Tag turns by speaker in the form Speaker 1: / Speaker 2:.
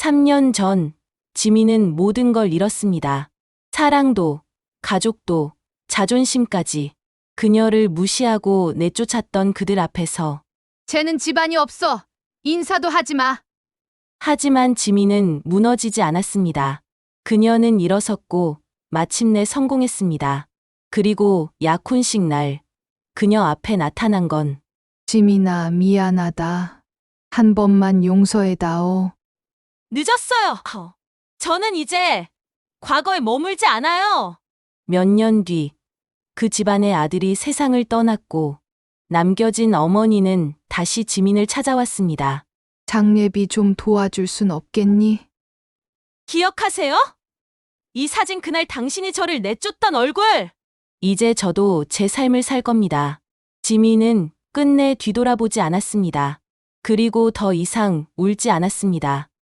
Speaker 1: 3년 전, 지민은 모든 걸 잃었습니다. 사랑도, 가족도, 자존심까지. 그녀를 무시하고 내쫓았던 그들 앞에서.
Speaker 2: 쟤는 집안이 없어. 인사도 하지 마.
Speaker 1: 하지만 지민은 무너지지 않았습니다. 그녀는 일어섰고 마침내 성공했습니다. 그리고 약혼식 날, 그녀 앞에 나타난 건
Speaker 3: 지민아, 미안하다. 한 번만 용서해다오.
Speaker 1: 늦었어요. 저는 이제 과거에 머물지 않아요. 몇 년 뒤, 그 집안의 아들이 세상을 떠났고 남겨진 어머니는 다시 지민을 찾아왔습니다.
Speaker 3: 장례비 좀 도와줄 순 없겠니?
Speaker 1: 기억하세요? 이 사진 그날 당신이 저를 내쫓던 얼굴! 이제 저도 제 삶을 살 겁니다. 지민은 끝내 뒤돌아보지 않았습니다. 그리고 더 이상 울지 않았습니다.